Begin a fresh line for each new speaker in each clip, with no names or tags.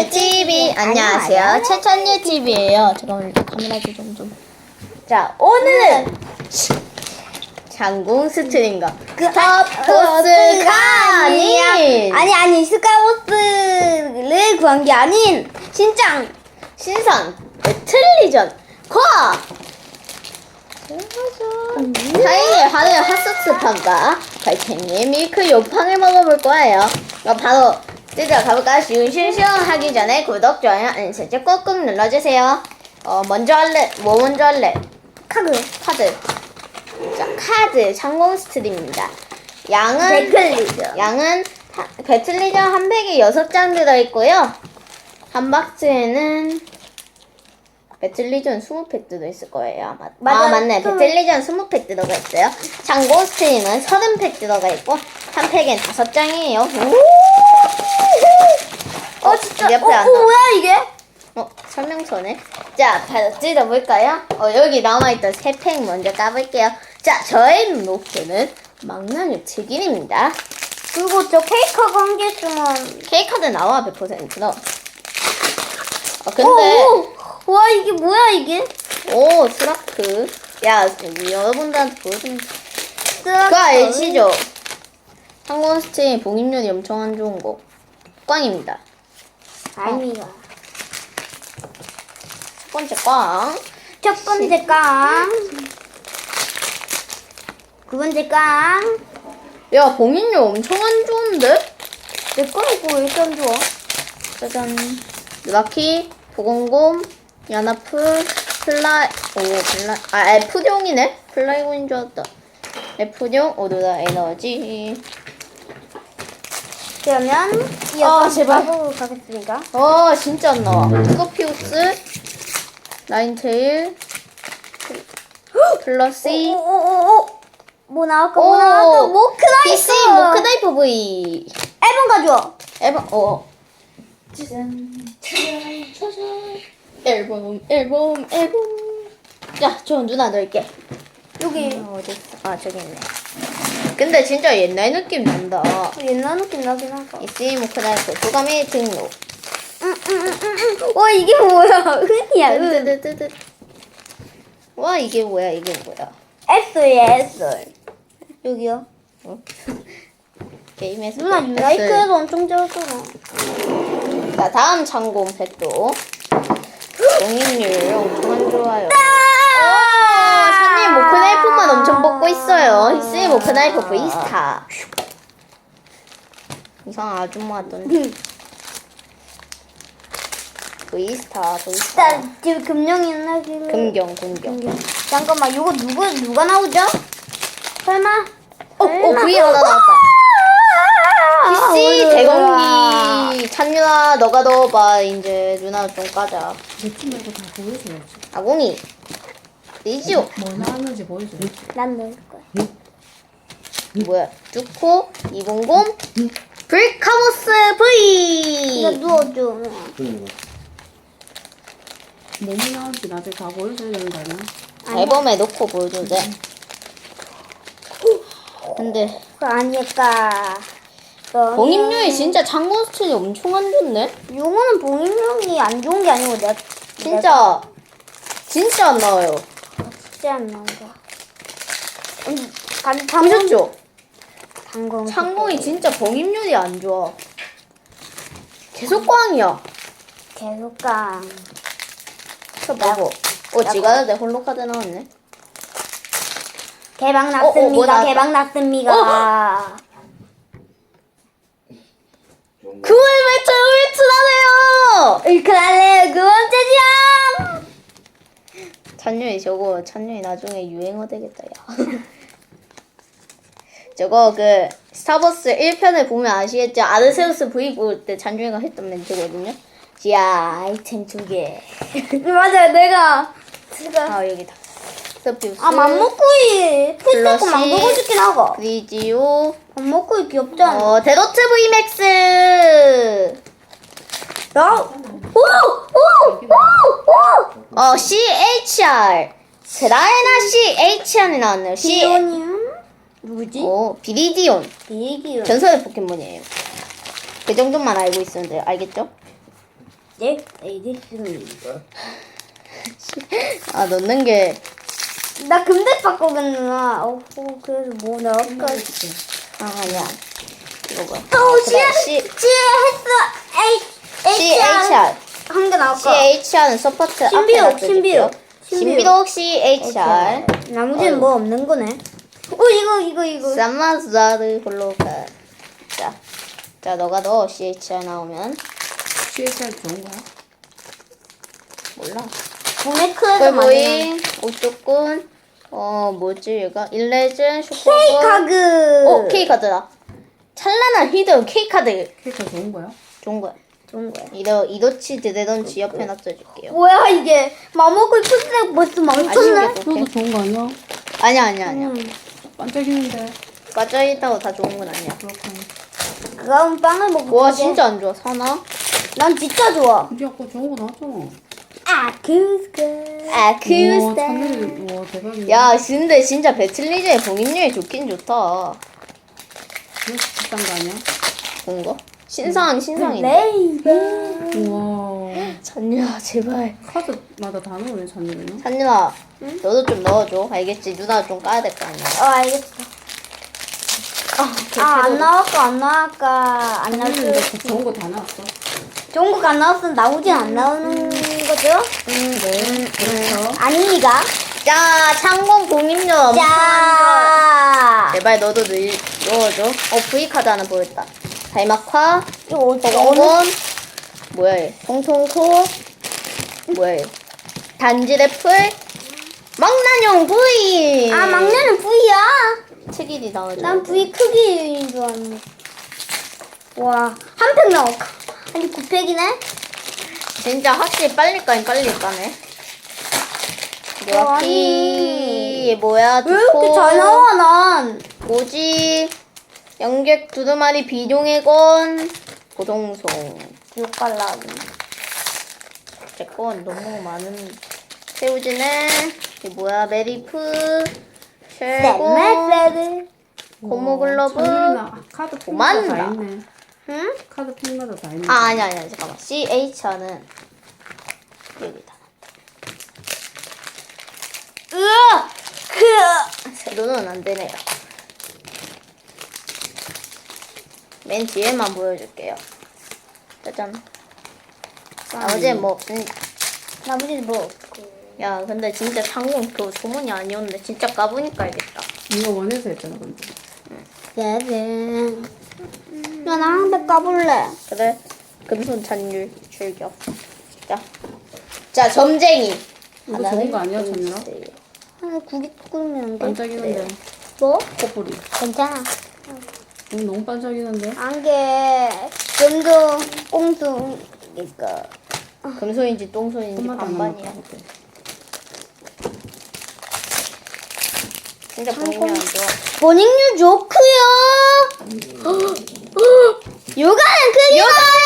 찬유 TV 안녕하세요. 최찬유 TV예요. 잠깐만 일단 카메라 좀. 자, 오늘은 장궁 스트림과 스타버스가 아닌
스카이워스를 구한 게 아닌
신선 배틀리전 과 사이의 하늘 핫소스 판과 갈탱이의 밀크 요팡을 먹어볼 거예요. 그럼 바로 뜯어 가볼까요? 시원하기 전에 구독, 좋아요, 알림 설정 꾹꾹 눌러주세요. 먼저 할래? 뭐 먼저 할래? 카드. 자, 카드 장공 스트림입니다. 양은 배틀리전 한 팩에 6장 들어있고요. 한 박스에는 배틀리전 20팩 들어있을 거예요. 맞네. 배틀리전 20팩 들어가 있어요. 장공 스트림은 30팩 들어가 있고 한 팩엔 5장이에요.
진짜
옆에 안
뭐야 이게?
설명서네. 자, 바로 뜯어볼까요? 여기 남아있던 3팩 먼저 까볼게요. 자, 저의 목표는 망나뇽 튀김입니다.
그리고 저 케이크가 한 개 있으면
케이크도 나와 100%너. 근데
와 이게 뭐야 이게?
오, 스라크. 야, 여러분들한테 보여주면 그거 아시죠? 한국 스트림 봉입률이 엄청 안 좋은 거 꽝입니다.
아닙니다.
첫 번째 꽝.
첫 번째 깡. 두 번째 깡.
야, 봉입률 엄청 안 좋은데?
내 거는 뭐 일단 좋아.
짜잔. 르바키, 보건곰, 야나프, F룡이네? 플라이곤인 줄 알았다. F룡, 오로라 에너지.
그러면 이어서
제발.
가보도록 하겠습니다.
진짜 안 나와. 스코피우스, 라인테일, 플러시,
뭐 나올까? 모크나이프!
PC, 모크나이프 V.
앨범 가져와.
앨범. 자, 저 누나 넣을게.
여기.
어디 있어? 저기 있네. 근데 진짜 옛날 느낌 난다.
옛날 느낌 나긴 하다.
PC, 모크나이프, 도감의 등록.
와 이게 뭐야? 흔이야.
뜨뜨뜨뜨. 와, 이게 뭐야?
S야 S. 여기요.
게임에서.
누나 유나이크에도 엄청 좋았잖아.
자, 다음 장공 팩도. 공인율 엄청 안 좋아요. 선님 모크나이프만 엄청 뽑고 있어요. 히스의 모크나이프 V스타. 이상한 아줌마 같던데. V스타.
일단 지금 금령이 있나 지금?
금경.
잠깐만 이거 누가 나오죠? 설마?
V 하나 나왔다. PC 대공기. 찬유아, 너가 넣어봐. 이제 누나 좀 까자.
내 팀 말고 다 보여줘야지.
아공이. 리지오.
뭐 나왔는지 보여줘.
난 넣을 거야.
뭐야? 쭈코, 이봉곰, 불카보스 V.
이거 누워줘.
뭐뭐 나올지 나중에 다 보여줘야 되는 거 아니야?
앨범에 넣고 보여줘도 돼. 근데
그거 아닐까.
봉입률이 진짜 장군 스틸이 엄청 안 좋네.
요거는 봉인력이 안 좋은 게 아니고 내가
진짜 안 나와요.
진짜 안 나온다.
보셨죠?
장공이
진짜 봉입률이 안 좋아. 계속 꽝이야.
계속 깡.
봐봐. 지가 내 홀로 카드 나왔네.
대박
뭐
났습니다.
나왔다.
대박 났습니다.
그걸 외쳐나네요.
일클할래요. 그 번째 장.
찬유이 나중에 유행어 되겠다, 야. 저거 스타버스 1편을 보면 아시겠죠? 아르세우스 V 볼 때 찬유이가 했던 멘트거든요. 야, 아이템 2개.
맞아요. 내가
여기다. 스피우스.
맘먹구이.
플러시.
풀떼고 망보고 싶긴 하고.
리지오.
맘먹구이 귀엽잖아.
데로트 V 맥스. CHR. 세라에나 CHR이 나왔네요.
비오니움? 누구지?
비리디온.
비기요.
전설의 포켓몬이에요. 그 정도만 알고 있었는데, 알겠죠?
네, 알겠습니다.
아 넣는 게
나 금대 바꾸겠나? 그래서 뭐 넣을까?
아니야. 이거 뭐야?
CS
CHR.
한개 나올까?
CHR은 서포트 앞에
신비록,
놔둬줄게요. 신비록 CHR.
나머지는 뭐 없는 거네. 이거.
사마자르 홀로가. 자 너가 넣어 CHR 나오면
CSR 좋은 거야?
몰라.
도메크에서 만든
꿀보이, 오뚜꾼, 뭐지 얘가? 일레즌, 슈퍼볼.
K카드.
K카드다. 찬란한 히든 K카드.
케이크가 좋은 거야?
좋은 거야.
좋은 거야.
이도치 드레던치 옆에 놔둬줄게요.
뭐야 이게? 마모글 풀색 벌써 망쳤네.
아쉽게도
그것도 좋은 거 아니야?
아니야.
반짝이는데.
빠져있다고 다 좋은 건 아니야.
그렇구나.
그럼 빵을 먹고.
와 진짜 안 좋아. 사나?
난 진짜 좋아.
근데 아까 좋은 거 나왔잖아.
아쿠스카.
우와,
아쿠스타.
찬열이, 와, 대박이네.
야 근데 진짜 배틀리즈의 봉인율이 좋긴 좋다.
그거 비싼 거 아니야?
좋은 거? 신상인데.
레이버.
우와.
찬유야 제발.
카드마다 다 넣으네, 찬열이는.
찬유아 너도 좀 넣어줘. 알겠지? 누나 좀 까야 될 거 아니야.
알겠어. 안 나올까 안 나올까 안 나올
찬열이는
수.
그 좋은 거 다 나왔어.
좋은 거가 안 나왔으면 나오진 안 나오는 거죠?
네, 그렇죠.
아닙니까?
자 창공 봉인율 엄청 안 좋아.
자.
제발 너도 넣어줘. V카드 하나 보였다. 달막화,
이거 어떻게
버거건, 뭐야 얘? 통통코, 뭐야 얘? 단지래플, 망나뇽 V.
아 막내는 V야.
특일이 나오죠.
난 V 크기인 줄 알았네. 와, 한 팩 나올까? 아니 9팩이네?
진짜 확실히 빨리 까긴 빨리 까네. 요아피 뭐야?
왜 이렇게 잘 나와 난?
뭐지? 영객 두루마리 비룡의건 고동송.
욕갈라기.
제건 너무 많은. 새우지네. 이 뭐야? 메리프. 쉘고.
셀메세드.
고무글러브.
찬열이나 카드 핀마다 다
오만다.
있네.
응?
카드 핀마다 다 있네.
아니야 잠깐만. CHR는 여기다.
으아!
세로는 안 되네요. 맨 뒤에만 보여줄게요. 짜잔. 나머지는 뭐 없습니다.
나머지는 뭐?
야 근데 진짜 상공 그 소문이 아니었는데 진짜 까보니까 알겠다.
이거 원해서 했잖아, 근데.
세븐. 야, 나 한 팩 까볼래.
그래. 금손 잔율 출격. 자 점쟁이.
이거 좋은 거 아니야, 찬열아?
아, 구기 끓으면 안 돼?
반짝이는데.
뭐?
코뿔이.
괜찮아.
너무 반짝이는데.
안개. 좀더 꽁숭이니까.
금손인지 똥손인지
손맛 안
반반이야.
나니까.
진짜 보이면 안 좋아.
버닝류 좋고요. 요가는 그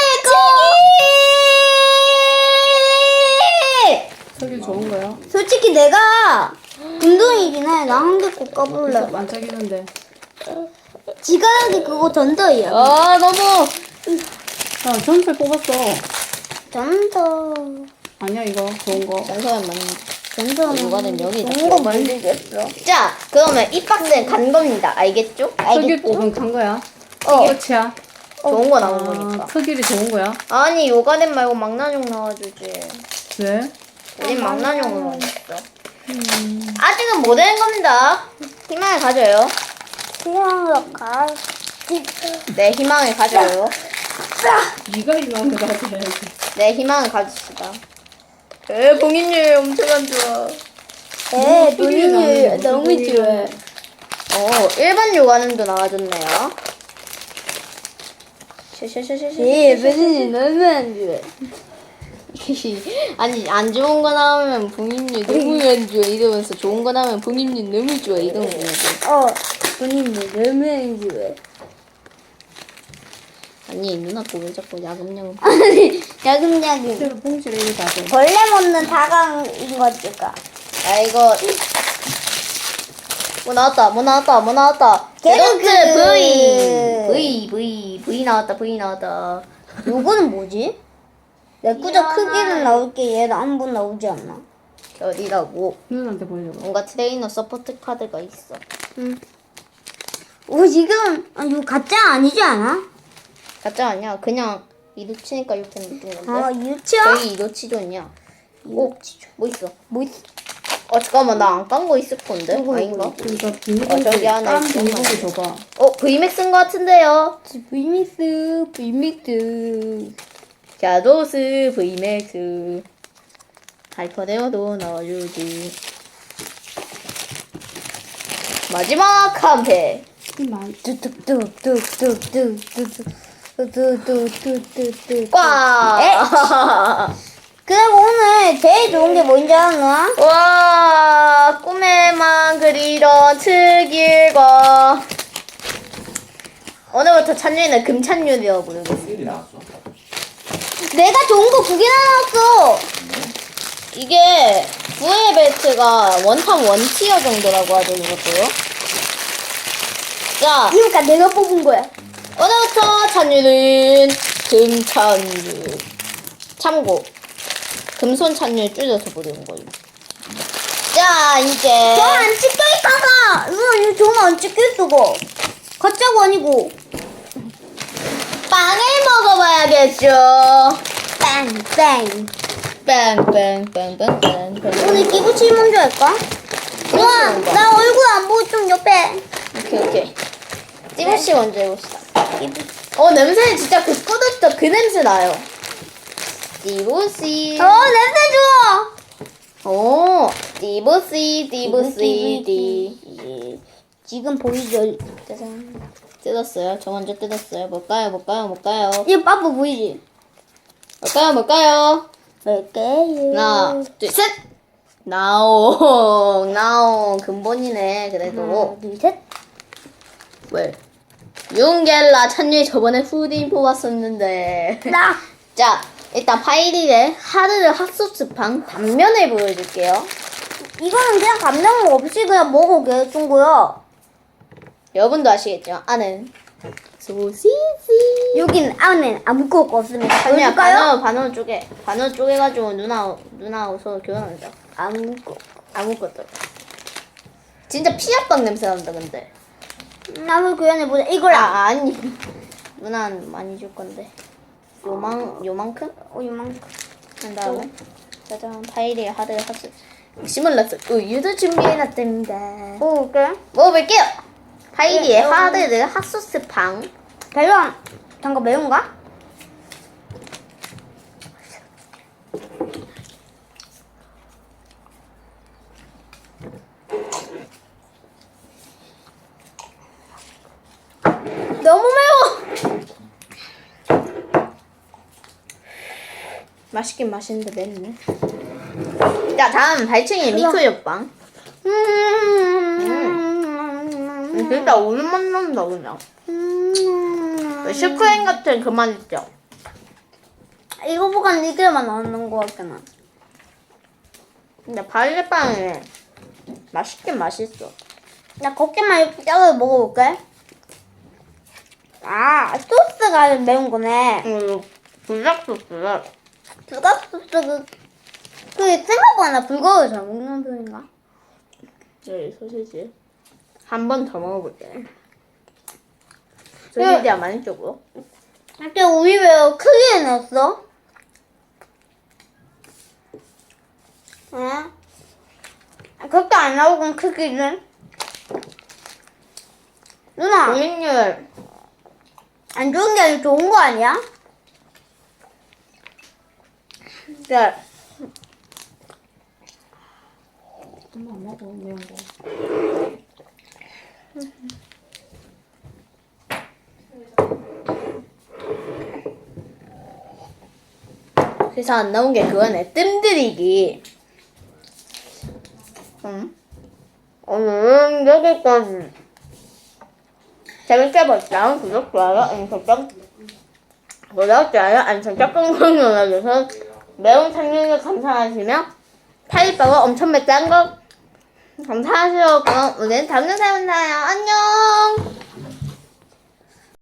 색이 좋은 거야?
솔직히 내가 금동이긴 해. 나 한 개 꼭 까볼래.
반짝이는데.
지가하게 그거 전더이야.
아 너무.
아, 전설 뽑았어.
전더.
아니야, 이거. 좋은 거.
전소연 맞는.
전더.
요가는 여기다.
좋은 거 만들겠어.
자 그러면 이 박스는 간 겁니다. 알겠죠?
특일 뽑은 간 거야?
어.
끝이야?
좋은 거 나온 거니까.
특일이 좋은 거야?
아니 요가넷 말고 망나뇽 나와주지.
왜?
우린 망나뇽을 먹었어. 아직은 못 된 겁니다. 희망을 가져요.
그냥 가.
네 희망을 가져요.
네가 이만 가져야지.
네 희망을 가집시다. 봉인율 엄청 안 좋아.
본인이 너무 좋아.
일반 요가넷도 나와줬네요.
본인이 너무 안 좋아.
아니 안 좋은 거 나오면 봉인율 너무 안 좋아 이러면서 좋은 거 나오면 봉인율 너무 좋아 이런 거지.
본인이 너무 안 좋아.
아니 누나 거왜 자꾸 야금야금.
아니, 야금야금.
새로 봉지를 이리 다 줘.
벌레 먹는 다강인 거지가.
아 이거 뭐 나왔다.
개그.
V 나왔다.
요거는 뭐지? 내 꾸적 크기는 나올게 얘는 한 번 나오지 않나?
어디라고?
누나한테 보여줘봐.
뭔가 트레이너 서포트 카드가 있어.
응. 오 지금 이거 가짜 아니지 않아?
가짜 아니야. 그냥 이도치니까 이렇게 느낀 건데.
아 유치야?
저기 이도치존이야. 오, 뭐 있어?
뭐 있어?
잠깐만, 나 안 깐 거 있을 건데?
이거,
아닌가?
그러니까 비밀번호
저기 하나
다른
있어.
비밀번호 줘봐.
VMAX인 것 같은데요.
브이믹스.
샤도스 VMAX. 하이퍼네어도 넣어주지. 마지막 한 팩.
이만.
뚝뚝뚝뚝뚝뚝뚝뚝뚝뚝뚝뚝.
꽉!
그리고 오늘 제일 좋은 게 뭔지 아나?
와, 꿈에만 그리던 특일과 오늘부터 찬유이는 금찬유리라고 부르겠어.
일이 나왔어.
내가 좋은 거 2개나 나왔어.
이게 부의 벨트가 원탑 원티어 정도라고 하죠, 이것도요. 자,
그러니까 내가 뽑은 거야.
오늘부터 찬유는 금찬유. 참고, 금손 찬유 줄여서 부르는 거예요. 자, 이제
저안 찍혀 있다가 이거 저는 안 찍혀 있어. 가짜고 아니고.
빵을 먹어봐야겠죠.
뺑뺑.
빵빵빵빵빵.
오늘 기부칠 먼저 할까? 우와, 나 얼굴 안 보고 좀 옆에.
오케이. 찌무씨 먼저 해봅시다. 냄새 진짜 그 꺼졌죠? 그 냄새 나요. 띠부씨.
냄새 좋아.
띠부씨.
지금 보이죠?
짜잔. 뜯었어요. 저 먼저 뜯었어요. 뭘까요?
이 빠빠 보이지?
뭘까요?
뭘까요?
하나, 둘, 셋! 나옹. 근본이네, 그래도.
하나, 둘, 셋.
왜? 윤겔라 찬유이 저번에 후딘 뽑았었는데.
나.
자, 일단 파이릴의 하르르 핫소스팡 단면을 보여줄게요.
이거는 그냥 감정 없이 그냥 먹어 개준 거야.
여러분도 아시겠죠? 아는 소시지.
여긴 안에 아무것도 없으면
아니야,
보여줄까요?
반으로 쪼개가지고 누나 옷으로 교환하자. 아무것도. 진짜 피자빵 냄새 난다, 근데.
나무 교환해보자. 이거랑.
아니. 누나는 많이 줄 건데. 요만큼?
이만큼.
한 다음에. 짜잔, 파이리의 하르르 핫소스. 시뮬러스 우유도 준비해놨답니다.
먹어볼게.
먹어볼게요. 파이리의
네,
하르르 핫소스 팡.
별로 잠깐 매운가?
너무 매워. 맛있긴 맛있는데 맵네. 자, 다음 발층이 미크요빵. 진짜 오랜맛 난다 그냥. 슈크림 같은 그 맛 있죠?
이거보다 이게만 나오는 거 같잖아.
근데 발레빵이 맛있긴 맛있어.
나 곱게만 작게 먹어볼게. 아, 소스가 매운 거네.
불닭 소스를
불닭소스 그 생각보다 불고기 잘 먹는 편인가?
저기 소시지 한 번 더 먹어볼게. 소시지 안 많이 쪽으로.
근데 우리 왜 크게 해놨어? 응? 그렇게 안 나오고 크기는? 누나,
고객님
안 좋은 게 아니라 좋은 거 아니야?
네.
엄마 안 먹어, 매운 거.
그래서 안 나온 게 그거네. 뜸들이기. 오늘은 여기까지. 재밌게 봤다. 구독, 좋아요, 알림 설정. 알림 설정 꾹꾹 눌러줘서 매운 참여를 감사하시며 타이빠가 엄청 맵다는 거 감사하시고 그럼 오늘 다음 영상에 만나요. 안녕.